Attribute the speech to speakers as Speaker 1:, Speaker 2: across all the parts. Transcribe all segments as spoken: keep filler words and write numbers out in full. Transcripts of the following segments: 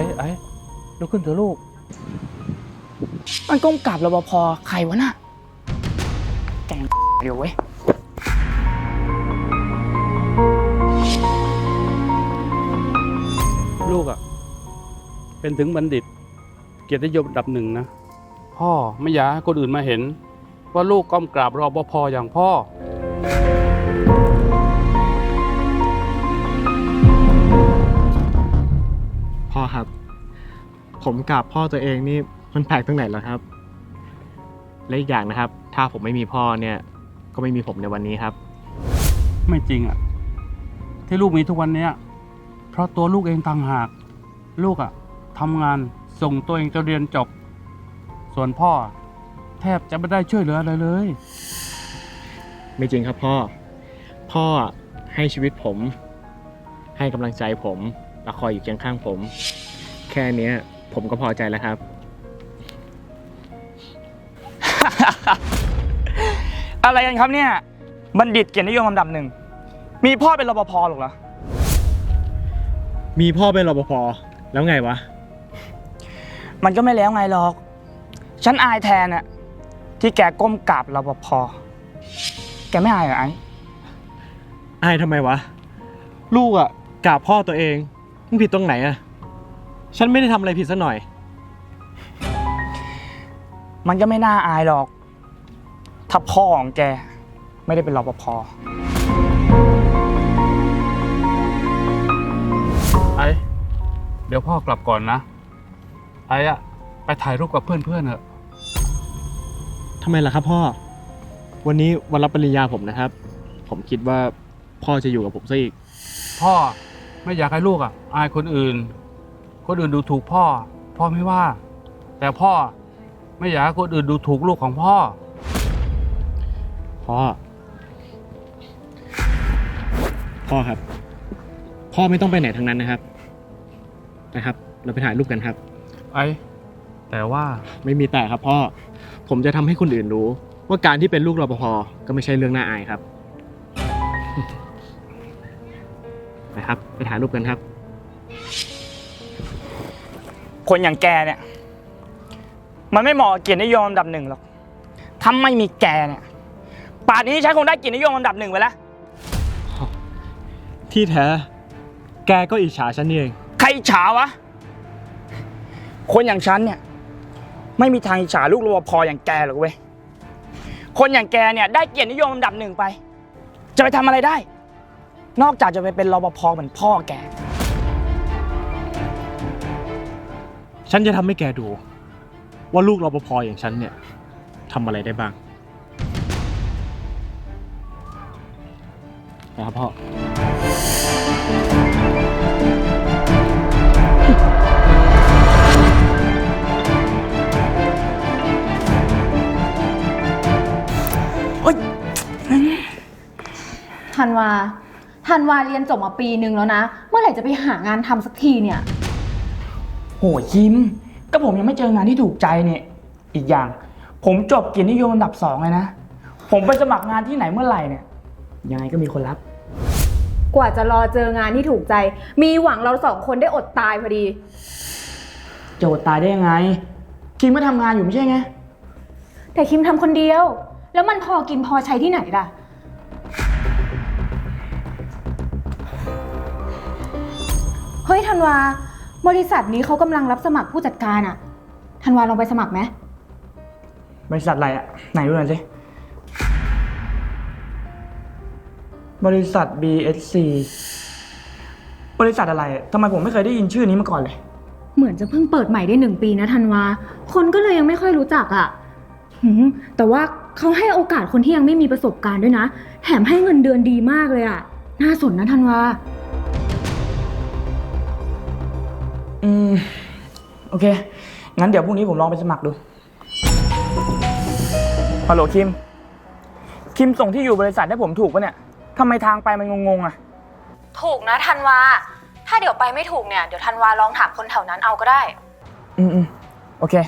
Speaker 1: ไอ้ลุกขึ้นเถอะลูก
Speaker 2: มันก้มกราบรปภใครวะน่ะแกงเดี๋ยวเว้ย
Speaker 1: ลูกอ่ะเป็นถึงบัณฑิตเกียรตินิยมอันดับหนึ่งนะพ่อไม่อยากให้คนอื่นมาเห็นว่าลูกก้มกราบรปภอย่างพ่อ
Speaker 3: พ่อครับผมกราบพ่อตัวเองนี่มันแปลกตรงไหนเหรอครับและอีกอย่างนะครับถ้าผมไม่มีพ่อเนี่ยก็ไม่มีผมในวันนี้ครับ
Speaker 1: ไม่จริงอ่ะที่ลูกมีทุกวันนี้เพราะตัวลูกเองต่างหากลูกอ่ะทำงานส่งตัวเองจนเรียนจบส่วนพ่อแทบจะไม่ได้ช่วยเหลืออะไรเลย
Speaker 3: ไม่จริงครับพ่อพ่อให้ชีวิตผมให้กำลังใจผมและคอยอยู่เคียงข้างผมแค่นี้ผมก็พอใจแล้วครับ
Speaker 2: อะไรกันครับเนี่ยบัณฑิตเกียรตินิยมอันดับหนึ่งมีพ่อเป็นรปภหรอกเหรอ
Speaker 3: มีพ่อเป็นรปภแล้วไงวะ
Speaker 2: มันก็ไม่แล้วไงหรอกฉันอายแทนอะที่แกก้มกราบรปภแกไม่อายเหรอไอ้
Speaker 3: อายทำไมวะลูกอะกราบพ่อตัวเองมึงผิดตรงไหนอะฉันไม่ได้ทำอะไรผิดซะหน่อย
Speaker 2: มันก็ไม่น่าอายหรอกถ้าพ่อของแกไม่ได้เป็นรปภ
Speaker 1: ไอ้เดี๋ยวพ่อกลับก่อนนะไอ้อะไปถ่ายรูปกับเพื่อนๆเถอะ
Speaker 3: ทำไมล่ะครับพ่อวันนี้วันรับปริญญาผมนะครับผมคิดว่าพ่อจะอยู่กับผมซะอีก
Speaker 1: พ่อไม่อยากให้ลูกอ่ะอายคนอื่นคนอื่นดูถูกพ่อพ่อไม่ว่าแต่พ่อไม่อยากให้คนอื่นดูถูกลูกของพ่อ
Speaker 3: พ่อพ่อครับพ่อไม่ต้องไปไหนทั้งนั้นนะครับนะครับเราไปถ่ายรูปกันครับ
Speaker 1: ไอ้แต่ว่า
Speaker 3: ไม่มีแต่ครับพ่อผมจะทำให้คนอื่นรู้ว่าการที่เป็นลูกรปภก็ไม่ใช่เรื่องน่าอายครับนะครับไปถ่ายรูปกันครับ
Speaker 2: คนอย่างแกเนี่ยมันไม่เหมาะกับเกียรตินิยมอันดับหนึ่งหรอกถ้าไม่มีแกเนี่ยป่านนี้ฉันคงได้เกียรตินิยมอันดับหนึ่งไปแล้ว
Speaker 3: ที่แท้แกก็อิจฉาฉันนี่เอง
Speaker 2: ใครอิจฉาวะคนอย่างฉันเนี่ยไม่มีทางอิจฉาลูกรปภอย่างแกหรอกเว้ยคนอย่างแกเนี่ยได้เกียรตินิยมอันดับหนึ่งไปจะไปทำอะไรได้นอกจากจะไปเป็นรปภเหมือนพ่อแก
Speaker 3: ฉันจะทำให้แกดูว่าลูกรปภอย่างฉันเนี่ยทำอะไรได้บ้างนะครับพ่อ
Speaker 4: ธันวาธันวาเรียนจบมาปีนึงแล้วนะเมื่อไหร่จะไปหางานทำสักทีเนี่ย
Speaker 2: โหยิ้มก็ผมยังไม่เจองานที่ถูกใจเนี่ยอีกอย่างผมจบเกียรตินิยมอันดับสองเลยนะผมไปสมัครงานที่ไหนเมื่อไหร่เนี่ยยังไงก็มีคนรับ
Speaker 4: กว่าจะรอเจองานที่ถูกใจมีหวังเราสองคนได้อดตายพอดี
Speaker 2: จะอดตายได้ยังไงคิมก็ทำงานอยู่ไม่ใช่ไง
Speaker 4: แต่คิมทำคนเดียวแล้วมันพอกินพอใช้ที่ไหนล่ะเฮ้ยธันวาบริษัทนี้เขากำลังรับสมัครผู้จัดการอะธันวาลองไปสมัครไหม
Speaker 2: บริษัทอะไรอะไหนดูหน่อยสิบริษัท บี เอส ซี บริษัทอะไรทำไมผมไม่เคยได้ยินชื่อนี้มาก่อนเลย
Speaker 4: เหมือนจะเพิ่งเปิดใหม่ได้หนึ่งปีนะธันวาคนก็เลยยังไม่ค่อยรู้จักอะแต่ว่าเขาให้โอกาสคนที่ยังไม่มีประสบการณ์ด้วยนะแถมให้เงินเดือนดีมากเลยอะน่าสนนะธันวา
Speaker 2: อืมโอเคงั้นเดี๋ยวพรุ่งนี้ผมลองไปสมัครดูฮัลโหลคิมคิมส่งที่อยู่บริษัทให้ผมถูกปะเนี่ยทำไมทางไปมันงงๆอ่ะ
Speaker 4: ถูกนะธันวาถ้าเดี๋ยวไปไม่ถูกเนี่ยเดี๋ยวธันวาลองถามคนแถวนั้นเอาก็ได้
Speaker 2: อืมอืมโอเค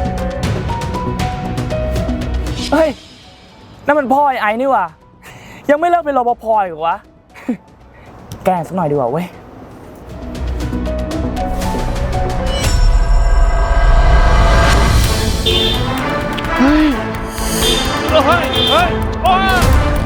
Speaker 2: เฮ้ยนั่นมันพ่อไอ้ไอ้นี่ว่ะยังไม่เลิกเป็นรปภอีกเหรอวะ แกล้งสักหน่อยดีกว่าเว้ย
Speaker 1: เฮ้ย เฮ้ย เฮ้ย โอ้ย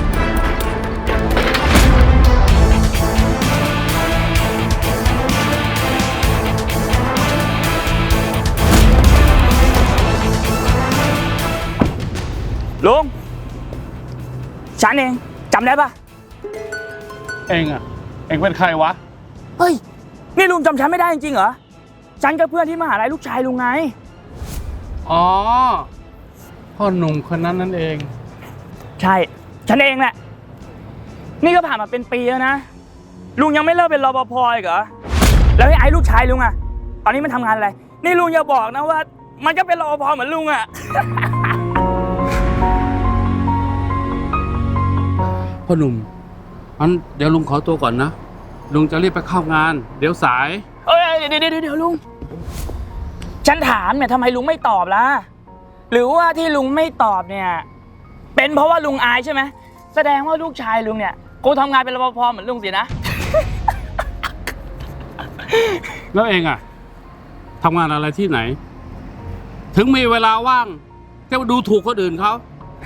Speaker 2: ลุง ฉันเองจำได้ปะ
Speaker 1: เองอะเองเป็นใครวะ
Speaker 2: เฮ้ย นี่ลุงจำฉันไม่ได้จริงๆเหรอ ฉันกับเพื่อนที่มหาลัยลูกชายลุงไง
Speaker 1: อ๋อ พ่อหนุ่มคนนั้นนั่นเอง
Speaker 2: ใช่ ฉันเองแหละ นี่ก็ผ่านมาเป็นปีแล้วนะ ลุงยังไม่เลิกเป็นรปภอีกเหรอ แล้วไอ้ไอ้ลูกชายลุงอะตอนนี้มันทำงานอะไร นี่ลุงอย่าบอกนะว่า มันก็เป็นรปภเหมือนลุงอะ
Speaker 1: พ่อหนุ่มอันเดี๋ยวลุงขอตัวก่อนนะ ลุงจะรีบไปเข้างาน เดี๋ยวสาย
Speaker 2: เอ้ยเดี๋ยวเดี๋ยวเดี๋ยวลุง ฉันถามเนี่ยทำไมลุงไม่ตอบล่ะ หรือว่าที่ลุงไม่ตอบเนี่ย เป็นเพราะว่าลุงอายใช่ไหม แสดงว่าลูกชายลุงเนี่ยกูทำงานเป็นรปภเหมือนลุงสินะ
Speaker 1: แล้วเองอะทำงานอะไรที่ไหน ถึงมีเวลาว่างจะมาดูถูกคนอื่นเขา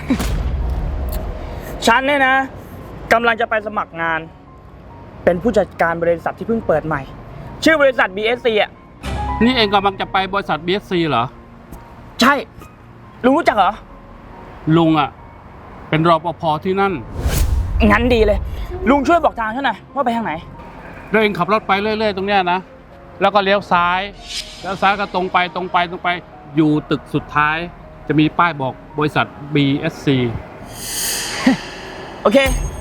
Speaker 2: ฉันเนี่ยนะกำลังจะไปสมัครงาน เป็นผู้จัดการบริษัทที่เพิ่งเปิดใหม่ ชื่อบริษัท บี เอส ซี อ่ะ
Speaker 1: นี่เองกำลังจะไปบริษัท บี เอส ซี เหรอ
Speaker 2: ใช่ ลุงรู้จักเหรอ
Speaker 1: ลุงอะเป็นรปภที่นั่น
Speaker 2: งั้นดีเลย ลุงช่วยบอกทางฉันหน่อยว่าไปทางไหน
Speaker 1: แล้วเองขับรถไปเรื่อยๆตรงเนี้ยนะ แล้วก็เลี้ยวซ้าย แล้วซ้ายก็ตรงไปตรงไปตรงไป อยู่ตึกสุดท้าย จะมีป้ายบอกบริษัท บี เอส ซี
Speaker 2: โอเค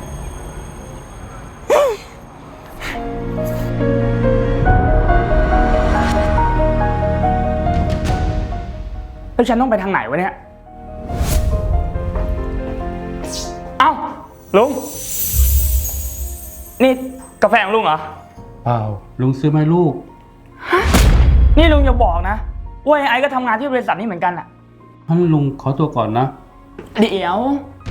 Speaker 2: แล้วฉันต้องไปทางไหนวะเนี่ย เอ้า ลุง นี่กาแฟของลุงเหรอ
Speaker 1: เปล่า ลุงซื้อไหมลูก
Speaker 2: นี่ลุงอย่าบอกนะว่าไอ้ไอ้ก็ทำงานที่บริษัทนี้เหมือนกันอะ
Speaker 1: งั้นลุงขอตัวก่อนนะ
Speaker 2: เดี๋ยว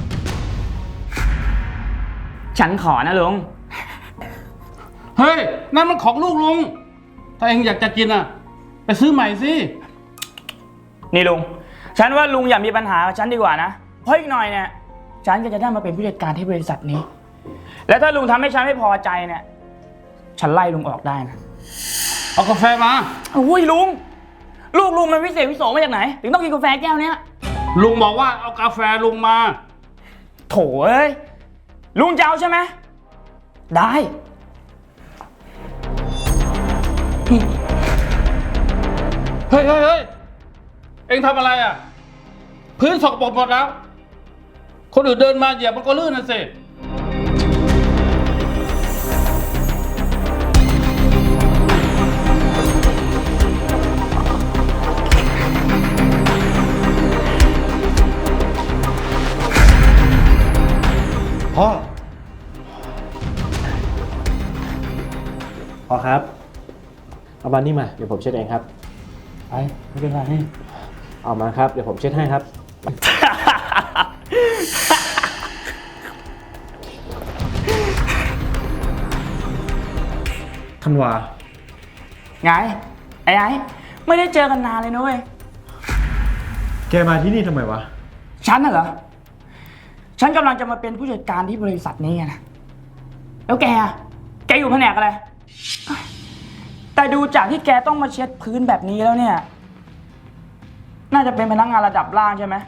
Speaker 2: ฉันขอนะลุง
Speaker 1: เฮ้ย นั่นมันของลูกลุง ถ้าเองอยากจะกินอ่ะ ไปซื้อใหม่สิ
Speaker 2: นี่ลุง ฉันว่าลุงอย่ามีปัญหากับฉันดีกว่านะ เพราะอีกหน่อยเนี่ย ฉันก็จะได้มาเป็นผู้จัดการที่บริษัทนี้ และถ้าลุงทำให้ฉันไม่พอใจเนี่ย ฉันไล่ลุงออกได้นะ
Speaker 1: เอากาแฟมา
Speaker 2: อุ้ยลุง ลูกลุงมันวิเศษวิโสมาจากไหน ถึงต้องกินกาแฟแก้วเนี้ย
Speaker 1: ลุงบอกว่าเอากาแฟลุงมา
Speaker 2: โถเอ้ย ลุงจะเอาใช่ไหม ได้
Speaker 1: เฮ้ยเฮ้ยเฮ้ยเองทำอะไรอ่ะ พื้นสกปรกหมดแล้ว คนอื่นเดินมาเหยียบมันก็ลื่นนะสิ
Speaker 3: พ่อ พ่อครับ เอาบันนี่มา เดี๋ยวผมเช็ดเองครับ
Speaker 1: ไป ไม่เป็นไร
Speaker 3: เอามาครับ เดี๋ยวผมเช็ดให้ครับ ธันวา
Speaker 2: ไง ไอ้ไอ้ไม่ได้เจอกันนานเลยนะเว้ย
Speaker 3: แกมาที่นี่ทำไมวะ
Speaker 2: ฉันน่ะเหรอ ฉันกำลังจะมาเป็นผู้จัดการที่บริษัทนี้ไงนะ แล้วแกอะแกอยู่แผนกอะไร แต่ดูจากที่แกต้องมาเช็ดพื้นแบบนี้แล้วเนี่ย น่าจะเป็นพนักงานระดับล่างใช่ไหม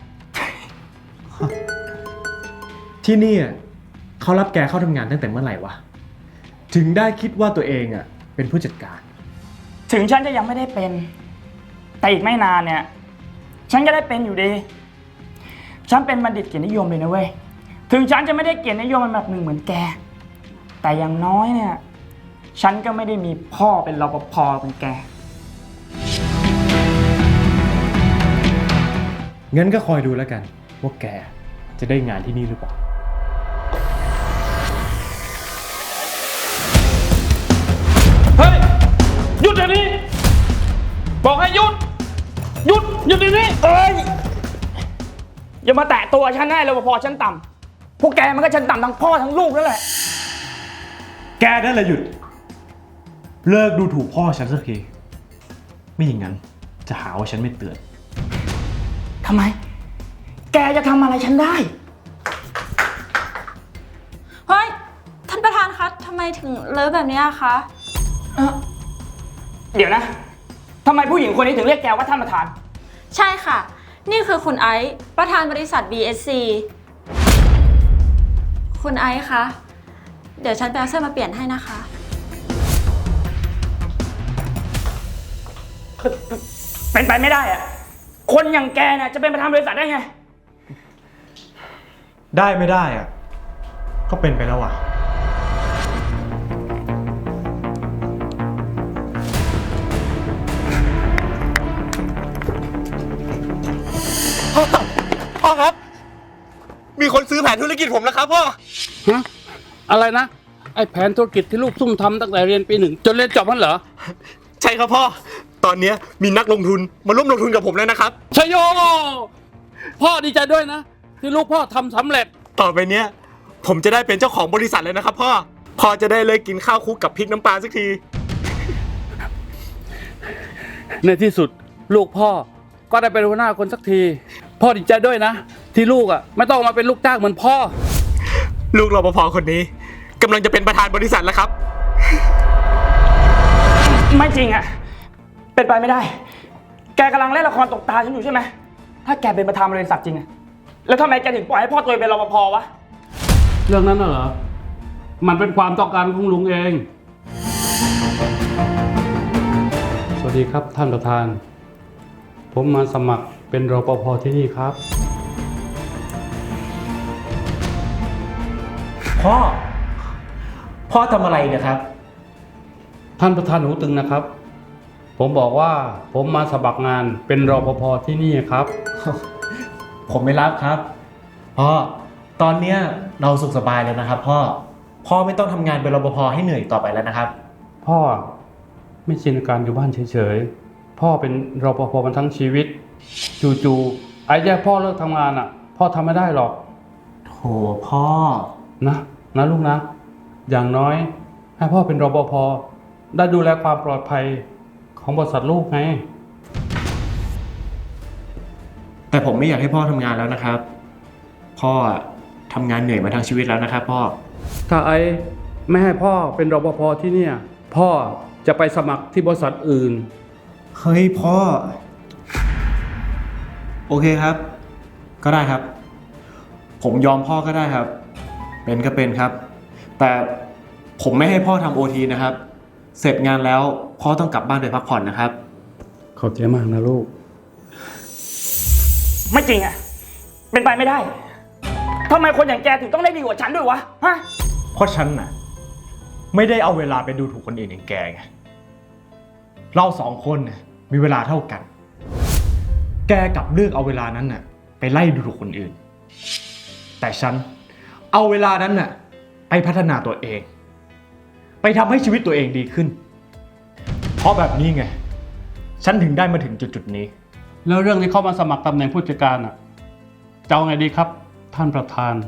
Speaker 3: ที่นี่อ่ะเขารับแกเข้าทำงานตั้งแต่เมื่อไหร่วะ ถึงได้คิดว่าตัวเองอ่ะเป็นผู้จัดการ
Speaker 2: ถึงฉันจะยังไม่ได้เป็น แต่อีกไม่นานเนี่ย ฉันก็ได้เป็นอยู่ดี ฉันเป็นบัณฑิตเกียรตินิยมเลยนะเว้ย ถึงฉันจะไม่ได้เกียรตินิยมแบบหนึ่งเหมือนแก แต่อย่างน้อยเนี่ย ฉันก็ไม่ได้มีพ่อเป็นรปภเป็นแก
Speaker 3: งั้นก็คอยดูแล้วกัน ว่าแกจะได้งานที่นี่หรือเปล่า
Speaker 1: เฮ้ย หยุดเดี๋ยวนี้ บอกให้หยุด หยุด หยุดเดี๋ยวนี้
Speaker 2: เอ้ย อย่ามาแตะตัวฉันได้รปภฉันต่พวกแกมันก็ชั้นต่ำทั้งพ่อทั้งลูกแล้วแหละ
Speaker 3: แกนั่นแหละหยุด เลิกดูถูกพ่อฉันสักที ไม่อย่างนั้นจะหาว่าฉันไม่เตือน
Speaker 2: ทำไม แกจะทำอะไรฉันได้
Speaker 5: เฮ้ย ท่านประธานคะทำไมถึงเลอะแบบนี้อะคะ
Speaker 2: เอ่อเดี๋ยวนะ ทำไมผู้หญิงคนนี้ถึงเรียกแกว่าท่านประธาน
Speaker 5: ใช่ค่ะ นี่คือคุณไอซ์ประธานบริษัท บี เอส ซี คุณไอซ์คะ เดี๋ยวฉันไปเอาเสื้อมาเปลี่ยนให้นะคะ
Speaker 2: เป็นไปไม่ได้อะคนอย่างแกเนี่ยจะเป็นประธานบริษัทได้ไง
Speaker 3: ได้ไม่ได้อะก็เป็นไปแล้วอ่ะ พ่อ พ่อครับ มีคนซื้อแผนธุรกิจผมแล้วครับพ่อ
Speaker 1: ฮะ อะไรนะ ไอ้แผนธุรกิจที่ลูกซุ่มทำตั้งแต่เรียนปีหนึ่งจนเรียนจบนั่นเหรอ
Speaker 3: ใช่ครับพ่อ ตอนนี้มีนักลงทุนมาร่วมลงทุนกับผมแล้วนะครับ
Speaker 1: ชโย พ่อดีใจด้วยนะ ที่ลูกพ่อทำสำเร็จ
Speaker 3: ต่อไปเนี้ยผมจะได้เป็นเจ้าของบริษัทเลยนะครับพ่อ พ่อจะได้เลยกินข้าวคลุกกับพริกน้ำปลาสักที
Speaker 1: ในที่สุดลูกพ่อก็ได้เป็นหัวหน้าคนสักที พ่อดีใจด้วยนะ ที่ลูกอ่ะไม่ต้องมาเป็นลูกจ้างเหมือนพ่อ
Speaker 3: ลูกรปภคนนี้กำลังจะเป็นประธานบริษัทแล้วครับ
Speaker 2: ไม่จริงอะเป็นไปไม่ได้ แกกำลังเล่นละครตกตาฉันอยู่ใช่ไหม ถ้าแกเป็นประธานบริษัทจริงอะแล้วทำไมแกถึงปล่อยให้พ่อตัวเองเป็นรปภวะ
Speaker 1: เรื่องนั้นน่ะเหรอ มันเป็นความต้องการของลุงเอง สวัสดีครับท่านประธาน ผมมาสมัครเป็นรปภที่นี่ครับ
Speaker 3: พ่อ พ่อทำอะไรเนี่ยครับ
Speaker 1: ท่านประธานหูตึงนะครับ ผมบอกว่าผมมาสมัครงานเป็นรปภที่นี่ครับ
Speaker 3: ผมไม่รับครับ พ่อ ตอนเนี้ยเราสุขสบายแล้วนะครับพ่อ พ่อไม่ต้องทำงานเป็นรปภให้เหนื่อยต่อไปแล้วนะครับ
Speaker 1: พ่อไม่ชินกับการอยู่บ้านเฉยๆ พ่อเป็นรปภมาทั้งชีวิต จู่ๆไอ้แย่พ่อเลิกทำงานอ่ะ พ่อทำไม่ได้หรอก
Speaker 3: โถพ่อ
Speaker 1: นะนะลูกนะ อย่างน้อยให้พ่อเป็นรปภได้ดูแลความปลอดภัยของบริษัทลูกไง
Speaker 3: แต่ผมไม่อยากให้พ่อทำงานแล้วนะครับ พ่อทำงานเหนื่อยมาทั้งชีวิตแล้วนะครับ พ่อ
Speaker 1: ถ้าไอ้ไม่ให้พ่อเป็นรปภที่เนี่ย พ่อจะไปสมัครที่บริษัทอื่น
Speaker 3: เฮ้ยพ่อ โอเคครับ ก็ได้ครับ ผมยอมพ่อก็ได้ครับ เป็นก็เป็นครับ แต่ผมไม่ให้พ่อทำโอทีนะครับ เสร็จงานแล้วพ่อต้องกลับบ้านไปพักผ่อนนะครับ
Speaker 1: ขอบใจมากนะลูก
Speaker 2: ไม่จริงอะเป็นไปไม่ได้ทำไมคนอย่างแกถึงต้องได้ดีกว่าฉันด้วยวะ ฮะ
Speaker 3: เพราะฉันน่ะไม่ได้เอาเวลาไปดูถูกคนอื่นอย่างแกไง เราสองคนน่ะมีเวลาเท่ากัน แกกลับเลือกเอาเวลานั้นน่ะไปไล่ดูถูกคนอื่น แต่ฉันเอาเวลานั้นน่ะไปพัฒนาตัวเอง ไปทำให้ชีวิตตัวเองดีขึ้น เพราะแบบนี้ไง ฉันถึงได้มาถึงจุดๆนี้
Speaker 1: แล้วเรื่องที่เข้ามาสมัครตำแหน่งผู้จัดการอ่ะจะเอาไงดีครับ ท่านประธาน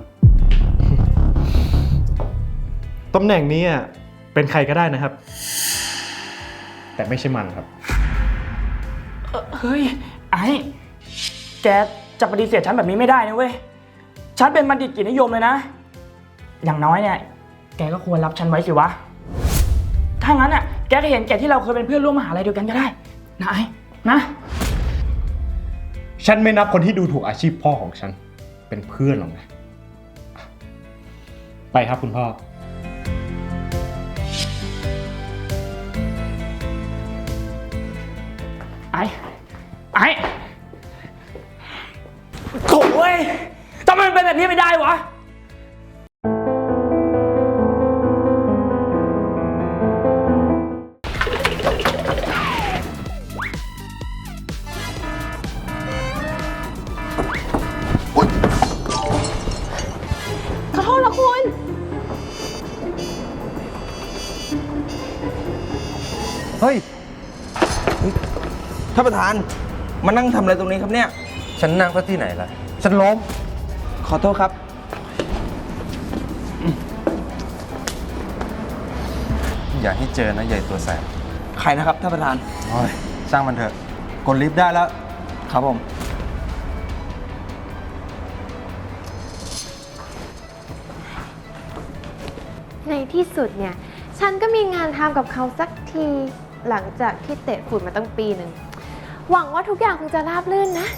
Speaker 3: ตำแหน่งนี้อ่ะเป็นใครก็ได้นะครับ แต่ไม่ใช่มันครับ
Speaker 2: เฮ้ย ไอ้ แกจะปฏิเสธฉันแบบนี้ไม่ได้นะเว้ย ฉันเป็นบัณฑิตกิจนิยมเลยนะ อย่างน้อยเนี่ย แกก็ควรรับฉันไว้สิวะ ถ้างั้นอ่ะ แกก็เห็นแกที่เราเคยเป็นเพื่อนร่วมมหาลัยเดียวกันก็ได้ นะไอ้ นะ
Speaker 3: ฉันไม่นับคนที่ดูถูกอาชีพพ่อของฉันเป็นเพื่อนหรอกนะ ไปครับคุณพ่อ
Speaker 2: ไอ้ ไอ้โถ่เว้ยทำไมมันเป็นแบบนี้ไม่ได้วะ
Speaker 5: ขอโทษนะคุณ
Speaker 6: เฮ้ยท่านประธานมานั่งทำอะไรตรงนี้ครับเนี่ย
Speaker 7: ฉันนั่งก็ที่ไหนล่ะ
Speaker 6: ฉันล้ม ขอโทษครับอย่าให้เจอนะใหญ่ตัวแสบ
Speaker 2: ใครนะครับท่านประธาน
Speaker 6: โอ้ยช่างมันเถอะ กดลิฟต์ได้แล้ว
Speaker 2: ครับผม
Speaker 7: ในที่สุดเนี่ย ฉันก็มีงานทำกับเขาสักที หลังจากที่เตะฝุ่นมาตั้งปีหนึ่ง หวังว่าทุกอย่างคงจะราบรื่นนะ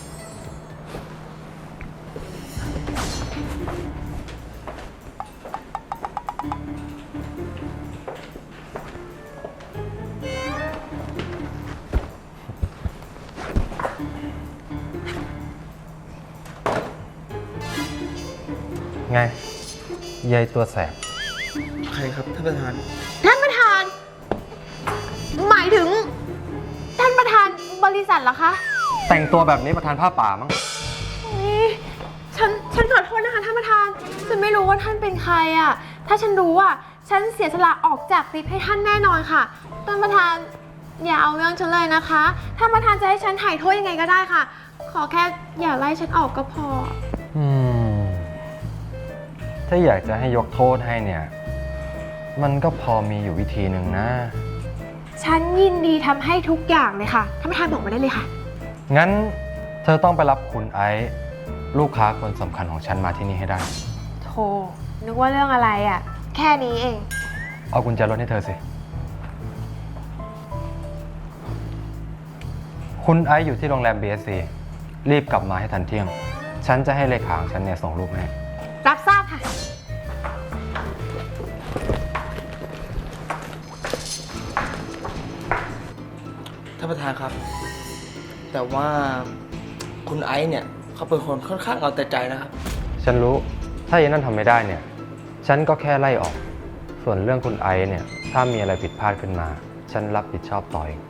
Speaker 6: ไงใหญ่ตัวแสบ
Speaker 2: ใครครับท่านประธาน
Speaker 7: ท่านประธาน หมายถึง ท่านประธานบริษัทเหรอคะ
Speaker 6: แต่งตัวแบบนี้ประธานผ้าป่ามั้ง
Speaker 7: อุ๊ยฉัน ฉันขอโทษนะคะท่านประธาน ฉันไม่รู้ว่าท่านเป็นใครอ่ะ ถ้าฉันรู้อ่ะ ฉันเสียสละออกจากลิฟต์ให้ท่านแน่นอนค่ะ ท่านประธานอย่าเอาเรื่องฉันเลยนะคะ ท่านประธานจะให้ฉันถ่ายโทษยังไงก็ได้ค่ะ ขอแค่อย่าไล่ฉันออกก็พอ
Speaker 6: อืม ถ้าอยากจะให้ยกโทษให้เนี่ย มันก็พอมีอยู่วิธีหนึ่งนะ
Speaker 7: ฉันยินดีทำให้ทุกอย่างเลยค่ะ ท่านประธานบอกมาได้เลยค่ะ
Speaker 6: งั้นเธอต้องไปรับคุณไอซ์ลูกค้าคนสำคัญของฉันมาที่นี่ให้ได้
Speaker 7: โธ่นึกว่าเรื่องอะไรอ่ะ แค่นี้เอง
Speaker 6: เอากุญแจรถให้เธอสิ คุณไอซ์อยู่ที่โรงแรม บี เอส ซี รีบกลับมาให้ทันเที่ยง ฉันจะให้เลขาของฉันเนี่ยส่งรูปให้
Speaker 7: รับทราบค่ะ
Speaker 2: ท่านประธานครับ แต่ว่าคุณไอซ์เนี่ยเขาเป็นคนค่อนข้างเอาแต่ใจนะครับ
Speaker 6: ฉันรู้ ถ้าอย่างนั้นทำไม่ได้เนี่ย ฉันก็แค่ไล่ออก ส่วนเรื่องคุณไอซ์เนี่ย ถ้ามีอะไรผิดพลาดขึ้นมา ฉันรับผิดชอบต่อเอง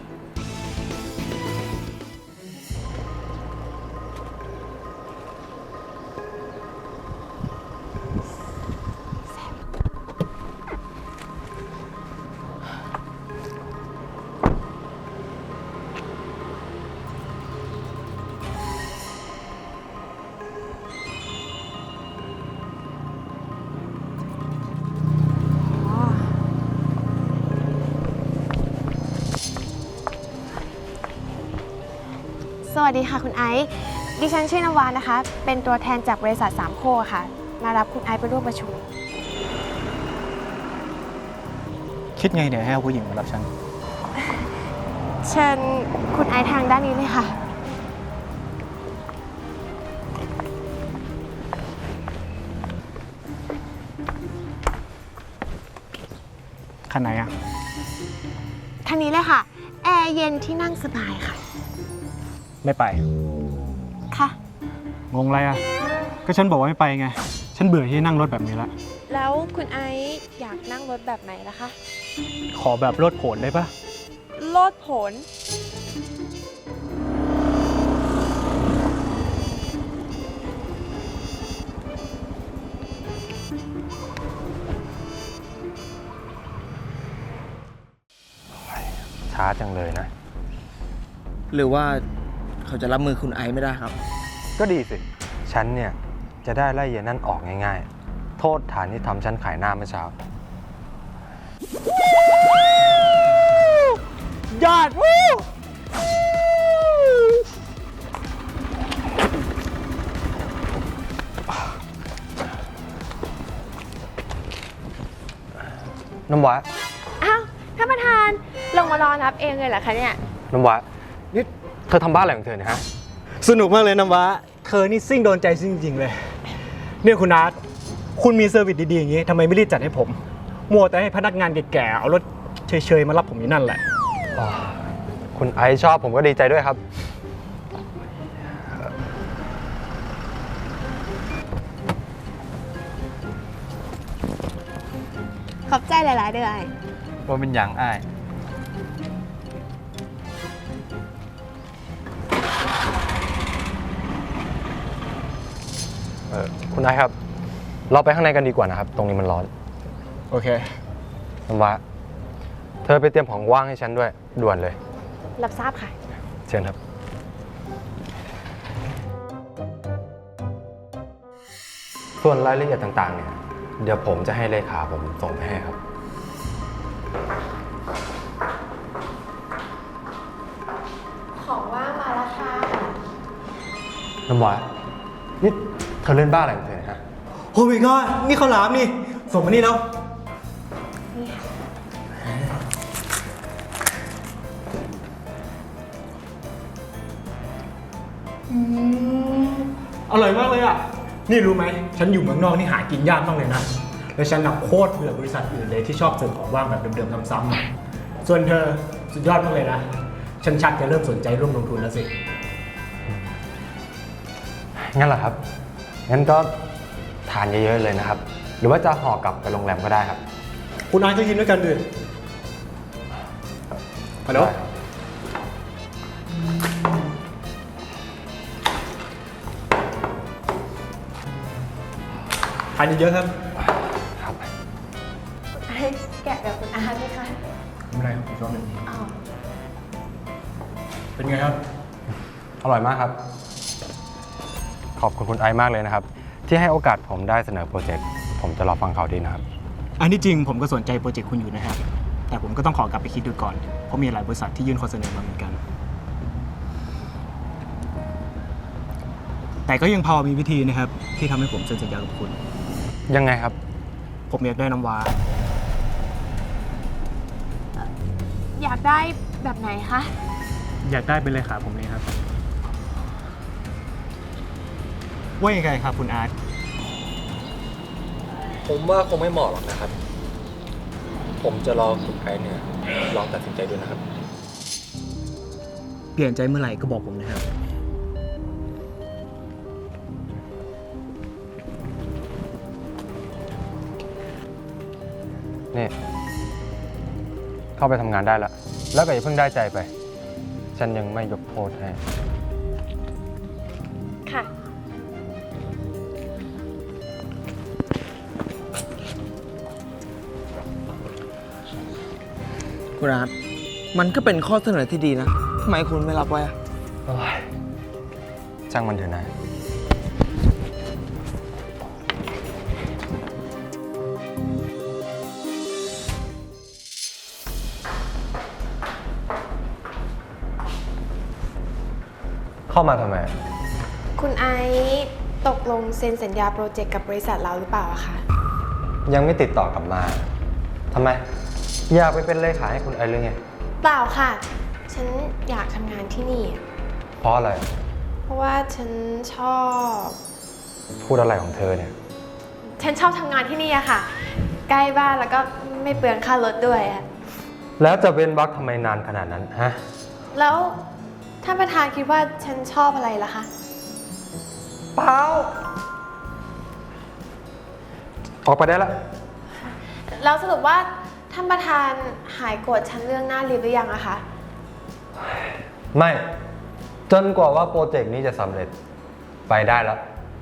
Speaker 7: สวัสดีค่ะคุณไอซ์ดิฉันชื่อนวานะคะ เป็นตัวแทนจากบริษัทสามโคกค่ะ มารับคุณไอซ์ไปร่วมประชุม
Speaker 3: คิดไงเดี๋ยวให้เอาผู้หญิงมารับฉัน
Speaker 7: เชิญคุณไอซ์ทางด้านนี้เลยค่ะ
Speaker 3: คันไหนอะ
Speaker 7: ทางนี้เลยค่ะ แอร์เย็นที่นั่งสบายค่ะ
Speaker 3: ไม่ไป
Speaker 7: ค่ะ
Speaker 3: งงอะไรอะก็ฉันบอกว่าไม่ไปไง ฉันเบื่อที่นั่งรถแบบนี้ละ
Speaker 7: แล้วคุณไอซ์อยากนั่งรถแบบไหนล่ะคะ
Speaker 3: ขอแบบรถโผนได้ปะ
Speaker 7: โลดโผน
Speaker 6: ช้าจังเลยนะ
Speaker 2: หรือว่าเขาจะรับมือคุณไอซ์ไม่ได้ครับ
Speaker 6: ก็ดีสิ ฉันเนี่ย จะได้ไล่เย็นนั่นออกง่ายๆ โทษฐานที่ทำฉันขายหน้าเมื่อเช้า
Speaker 3: ยอดวู้
Speaker 6: น้ำว้า
Speaker 7: อ้าวท่านประธานลงมารอรับเองเลยเหรอคะเนี่ย
Speaker 6: น้ำว้านี่เธอทำบ้านอะไรของเธอเนี่ยฮะ
Speaker 3: สนุกมากเลยน้ำว้าเธอนี่ซิ่งโดนใจซิ่งจริงๆเลย เนี่ยคุณอาร์ตคุณมีเซอร์วิสดีๆอย่างนี้ทำไมไม่รีบจัดให้ผม มัวแต่ให้พนักงานแก่ๆเอารถเฉยๆมารับผมอยู่นั่นแหละ
Speaker 6: อ๋อ คุณไอซ์ชอบผมก็ดีใจด้วยครับ
Speaker 7: ขอบใจหลาย ๆ เดือน
Speaker 6: ว่าเป็นอย่างอ้าย เออคุณไอซ์ครับ เราไปข้างในกันดีกว่านะครับ ตรงนี้มันร้อน
Speaker 3: โอเค
Speaker 6: น้ำว้าเธอไปเตรียมของว่างให้ฉันด้วย ด่วนเลย
Speaker 7: รับทราบค่ะ
Speaker 6: เชิญครับ ส่วนรายละเอียดต่างๆ เนี่ย เดี๋ยวผมจะให้เลขาผมส่งไปให้ครับ
Speaker 7: ของว่างมาแล้วค่ะ
Speaker 6: น้ำหวานนี่เธอเล่นบ้าอะไรของเธอเนี่ยฮะ
Speaker 3: โอ้ my god นี่ข้าวหลามนี่ ส่งมานี่แล้ว อร่อยมากเลยอ่ะ นี่รู้ไหม ฉันอยู่เมืองนอกนี่หากินยากมากเลยนะ แล้วฉันหนักโคตรเบื่อบริษัทอื่นเลยที่ชอบเสิร์ฟของว่างแบบเดิมๆซ้ำๆอะส่วนเธอสุดยอดมากเลยนะ ฉันชักจะเริ่มสนใจร่วมลงทุนแล้วสิ
Speaker 6: งั้นเหรอครับ งั้นก็ทานเยอะๆเลยนะครับ หรือว่าจะห่อกลับไปโรงแรมก็ได้ครับ
Speaker 3: คุณนายก็ยินด้วยกันด้วยฮัลโหล
Speaker 6: ได้ครับ
Speaker 3: ทานเยอะๆครับ
Speaker 6: ครับ
Speaker 7: ไอ้แกะแบบคุณอาร์ตไหมคะ
Speaker 3: ไม่เป็นไรครับอีกรอบหนึ่ง
Speaker 7: อ๋อ
Speaker 3: เป็นไงครับ
Speaker 6: อร่อยมากครับ ขอบคุณคุณไอซ์มากเลยนะครับ ที่ให้โอกาสผมได้เสนอโปรเจกต์ ผมจะรอฟังข่าวดีนะครับ
Speaker 3: อันที่จริงผมก็สนใจโปรเจกต์คุณอยู่นะครับ แต่ผมก็ต้องขอกลับไปคิดดูก่อน เพราะมีหลายบริษัทที่ยื่นข้อเสนอมาเหมือนกัน แต่ก็ยังพอมีวิธีนะครับ ที่ทำให้ผมเซ็นสัญญากับคุณ
Speaker 6: ยังไงครับ
Speaker 3: ผมอยากได้น้ำว้า
Speaker 7: อยากได้แบบไหนคะ
Speaker 3: อยากได้เป็นเลขาผมเลยครับ ว่ายังไงครับคุณอาร์ต
Speaker 6: ผมว่าคงไม่เหมาะหรอกนะครับ ผมจะรอคุณไอซ์เนี่ยลองตัดสินใจดูนะครับ
Speaker 3: เปลี่ยนใจเมื่อไหร่ก็บอกผมนะครับ
Speaker 6: นี่ เข้าไปทำงานได้แล้ว แล้วก็อย่าเพิ่งได้ใจไป ฉันยังไม่ยกโทษให้
Speaker 7: ค่ะ
Speaker 2: คุณอาร์ตมันก็เป็นข้อเสนอที่ดีนะทำไมคุณไม่รับไว้อะ
Speaker 6: โอ้ยช่างมันเถอะนะ เข้ามาทำไม
Speaker 7: คุณไอซ์ตกลงเซ็นสัญญาโปรเจกต์กับบริษัทเราหรือเปล่าอะคะ
Speaker 6: ยังไม่ติดต่อกลับมา ทำไม อยากไปเป็นเลขาให้คุณไอซ์หรือไง
Speaker 7: เปล่าค่ะ ฉันอยากทำงานที่นี่อะ
Speaker 6: เพราะอะไร
Speaker 7: เพราะว่าฉันชอบ
Speaker 6: พูดอะไรของเธอเนี่ย
Speaker 7: ฉันชอบทำงานที่นี่อะค่ะ ใกล้บ้านแล้วก็ไม่เปลืองค่ารถด้วยอะ
Speaker 6: แล้วจะเป็นวักทำไมนานขนาดนั้นฮะ
Speaker 7: แล้วท่านประธานคิดว่าฉันชอบอะไรล่ะคะ
Speaker 6: เปล่า ออกไปได้แล้ว
Speaker 7: แล้วสรุปว่าท่านประธานหายโกรธฉันเรื่องหน้าลิฟต์หรือยังอะคะ
Speaker 6: ไม่ จนกว่าว่าโปรเจกต์นี้จะสำเร็จ ไปได้แล้ว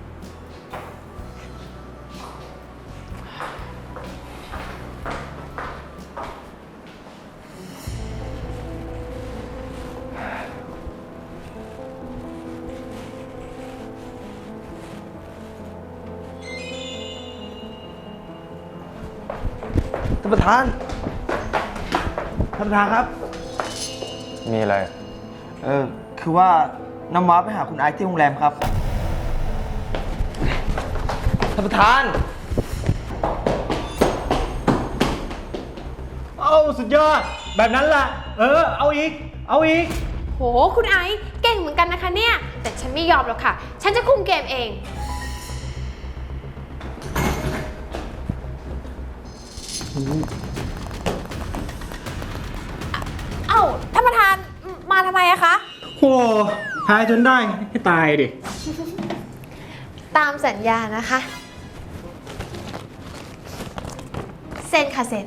Speaker 2: ท่านประธาน ท่านประธานครับ
Speaker 6: มีอะไร
Speaker 2: เออคือว่าน้ำว้าไปหาคุณไอซ์ที่โรงแรมครับ ท่านประธาน
Speaker 3: โอ้สุดยอด แบบนั้นล่ะ เออ เอาอีก เอาอีก
Speaker 7: โห คุณไอซ์เก่งเหมือนกันนะคะเนี่ย แต่ฉันไม่ยอมหรอกค่ะ ฉันจะคุมเกมเอง เอ้า ท่านประธานมาทำไมอะคะ
Speaker 3: โหพายจนได้ให้ตายดิ
Speaker 7: ตามสัญญานะคะ เซ็นค่ะเซ็น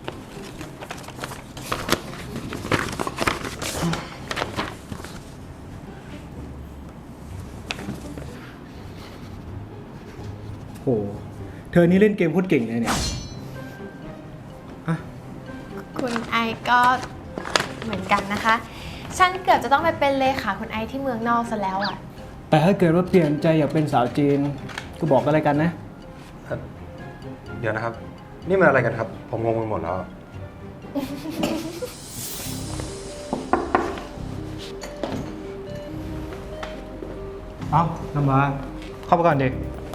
Speaker 3: โห เธอนี่เล่นเกมโคตรเก่งเลยเนี่ยฮะ
Speaker 7: คุณไอซ์ก็เหมือนกันนะคะ ฉันเกือบจะต้องไปเป็นเลขาคุณไอซ์ที่เมืองนอกซะแล้วอะ
Speaker 3: แต่ถ้าเกิดว่าเปลี่ยนใจอยากเป็นสาวจีน ก็บอกอะไรกันนะ
Speaker 6: เดี๋ยวนะครับ นี่มันอะไรกันครับ ผมงงไปหมดแล้ว
Speaker 3: เอ้าน้ำว้าเข้าไปก่อนเด็ก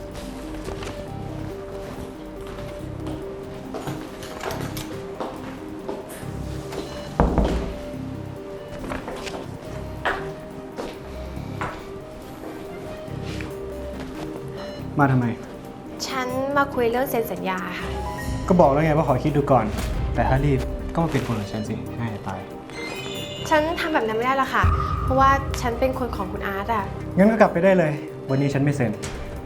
Speaker 3: มาทำไม
Speaker 7: ฉันมาคุยเรื่องเซ็นสัญญาค่ะ
Speaker 3: ก็บอกแล้วไงว่าขอคิดดูก่อน แต่ถ้ารีบก็มาเป็นคนของฉันสิง่ายจะตาย
Speaker 7: ฉันทำแบบนั้นไม่ได้หรอกค่ะ เพราะว่าฉันเป็นคนของคุณอาร์ตอะ
Speaker 3: งั้นก็กลับไปได้เลย วันนี้ฉันไม่เซ็น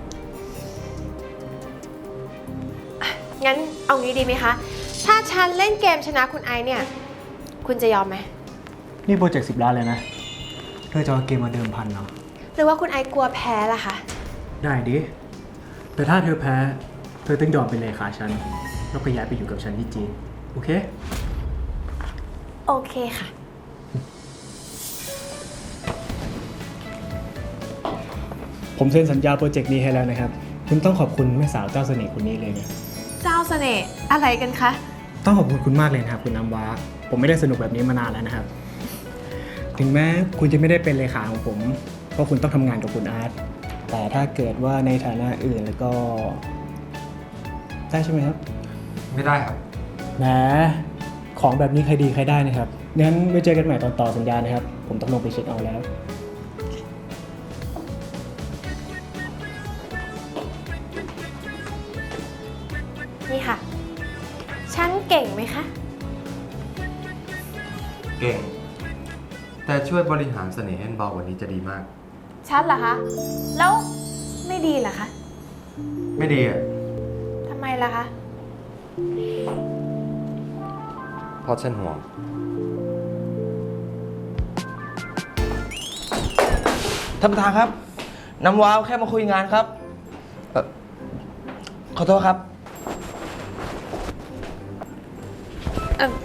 Speaker 7: งั้นเอางี้ดีไหมคะ ถ้าฉันเล่นเกมชนะคุณไอซ์เนี่ย คุณจะยอมไหม
Speaker 3: นี่โปรเจกต์สิบล้านเลยนะ เธอจะเอาเกมมาเดิมพันเนาะ
Speaker 7: หรือว่าคุณไอซ์กลัวแพ้ล่ะคะ
Speaker 3: ได้ดิ แต่ถ้าเธอแพ้ เธอต้องยอมเป็นเลขาฉัน แล้วก็ย้ายไปอยู่กับฉันที่จีน โอเค
Speaker 7: โอเคค่ะ
Speaker 3: ผมเซ็นสัญญาโปรเจกต์นี้ให้แล้วนะครับ คุณต้องขอบคุณแม่สาวเจ้าเสน่ห์คนนี้เลยนะ
Speaker 7: เจ้าเสน่ห์อะไรกันคะ
Speaker 3: ต้องขอบคุณคุณมากเลยนะครับคุณน้ำว้า ผมไม่ได้สนุกแบบนี้มานานแล้วนะครับ ถึงแม้คุณจะไม่ได้เป็นเลขาของผม เพราะคุณต้องทำงานกับคุณอาร์ต แต่ถ้าเกิดว่าในฐานะอื่นแล้วก็ได้ใช่ไหมครับ
Speaker 6: ไม่ได้ครับ
Speaker 3: แหมของแบบนี้ใครดีใครได้นะครับ งั้นไว้เจอกันใหม่ตอนต่อสัญญานะครับ ผมต้องลงไปเช็คเอาท์แล้ว
Speaker 7: นี่ค่ะ ฉันเก่งไหมคะ
Speaker 6: เก่ง แต่ช่วยบริหารเสน่ห์ให้เบากว่านี้จะดีมาก
Speaker 7: ฉันเหรอคะ แล้วไม่ดีเหรอคะ
Speaker 6: ไม่ดีอ่ะ
Speaker 7: ทำไมล่ะคะ
Speaker 6: เพราะฉันห่วง
Speaker 8: ท่านประธานครับ น้ำว้าวแค่มาคุยงานครับเอ่อขอโทษครับ
Speaker 7: เออ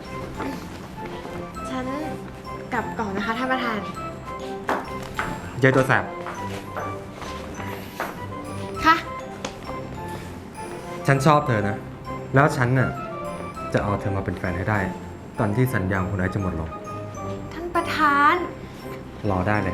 Speaker 7: ฉันกลับก่อนนะคะท่านประธาน
Speaker 6: เยอะตัวแสบ
Speaker 7: ค่ะ
Speaker 6: ฉันชอบเธอนะ แล้วฉันน่ะจะเอาเธอมาเป็นแฟนให้ได้ ตอนที่สัญญาของคุณไอซ์จะหมดลง
Speaker 7: ท่านประธาน
Speaker 6: รอได้เลย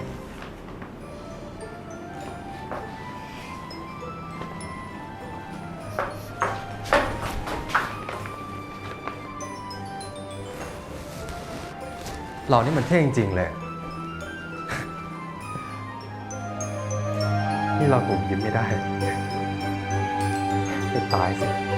Speaker 6: เรานี่มันเท่จริงๆเลย นี่เราถูกยิ้มไม่ได้ จะตายสิ